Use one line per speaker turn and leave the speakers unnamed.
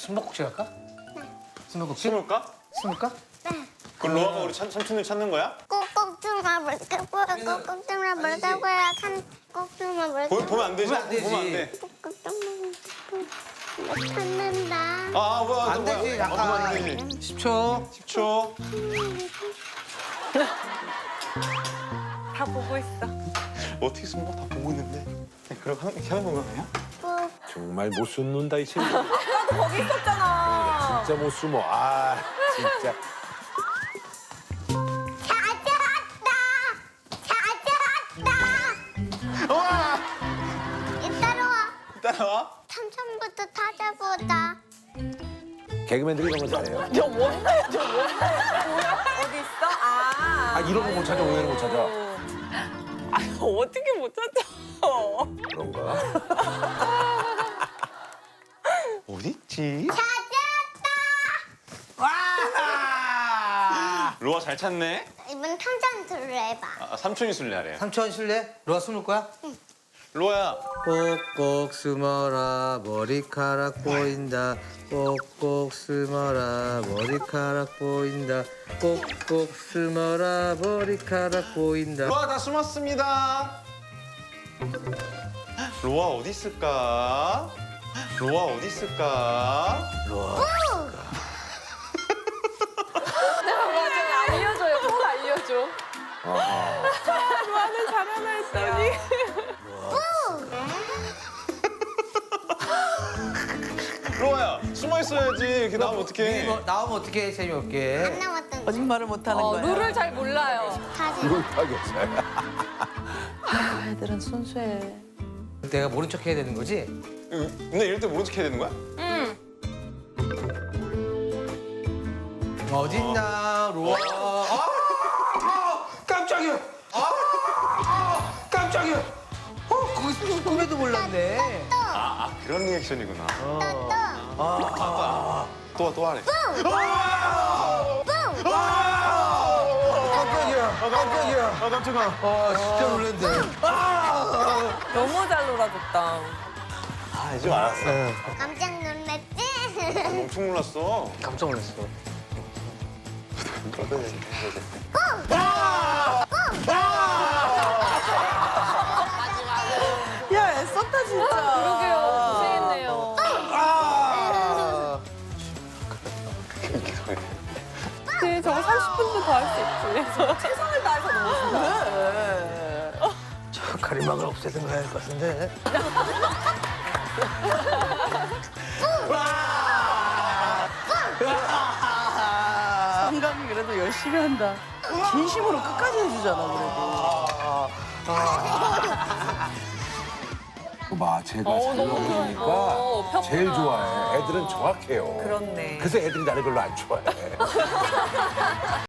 숨바꼭질 할까? 숨바꼭질?
숨을까?
숨을까?
네.
그럼 로아가 우리 삼촌을 찾는 거야?
꼭꼭좀만 물고요. 꼭꼭좀만 물고요. 꼭좀만 물고요.
보면 안 되지?
보면 안 되지.
보면 안 돼.
꼭꼭좀만 못 찾는다.
아, 뭐야.
안 되지,
보면
약간.
안 되지.
10초.
10초.
다 보고 있어.
어떻게 숨어? 다 보고 있는데. 그럼 이렇게 하는 건가, 그냥?
꼭
정말 못 숨는다 이 친구.
나도 거기 있었잖아.
진짜 못 숨어. 아 진짜.
찾아왔다.
와!
따라와.
따라와.
삼촌부터 찾아보자.
개그맨들이 이런 거 잘해요.
저 뭔데? 저 뭔데? 어디 있어?
아 이런 거 못 찾아 오해를 못 찾아.
아 어떻게 못 찾아?
그런가?
어디 있지?
찾았다.
로아 잘 찾네.
이번 탐정 둘로 해봐.
아, 삼촌이 술래하래.
삼촌 실례? 로아 숨을 거야?
로아야.
꼭꼭 숨어라 머리카락 보인다. 꼭꼭 숨어라 머리카락 보인다. 꼭꼭 숨어라 머리카락 보인다.
로아 다 숨었습니다. 로아 어디 있을까? 로아 어디 있을까?
로아.
맞아 알려줘요. 꼭 알려줘. 로아는 잘하나 했더니.
로아야 숨어 있어야지. 이렇게 나오면 어떡해?
나오면 어떻게 재미없게.
안 남았던 거.
거짓말을 못하는 거야. 룰을 잘 몰라요.
사진.
이걸 파겠어요.
애들은 순수해.
내가 모른 척 해야 되는 거지?
근데 이럴 때 모른 척 해야 되는 거야?
응.
어딨나 로아. 깜짝이야. 깜짝이야. 거기서 꿈에도 몰랐네.
아 그런 리액션이구나. 또 하래.
깜짝이야. 깜짝이야.
아 깜짝아.
진짜 놀랐네.
너무 잘 놀아줬다.
아 이제 알았어.
깜짝 놀랐지?
엄청 놀랐어.
깜짝 놀랐어.
야 애썼다 진짜. 그러게요. 고생했네요. 네, 저거 30분도 더 할 수 있지. 최선을 다해서 너무
저 가리막을 없애든가 할 것 같은데.
성감이 그래도 열심히 한다. 진심으로 끝까지 해주잖아, 그래도.
봐 제가 잘
너무
먹으니까
평온하다.
제일 좋아해. 애들은 정확해요.
그렇네.
그래서 애들이 나를 별로 안 좋아해.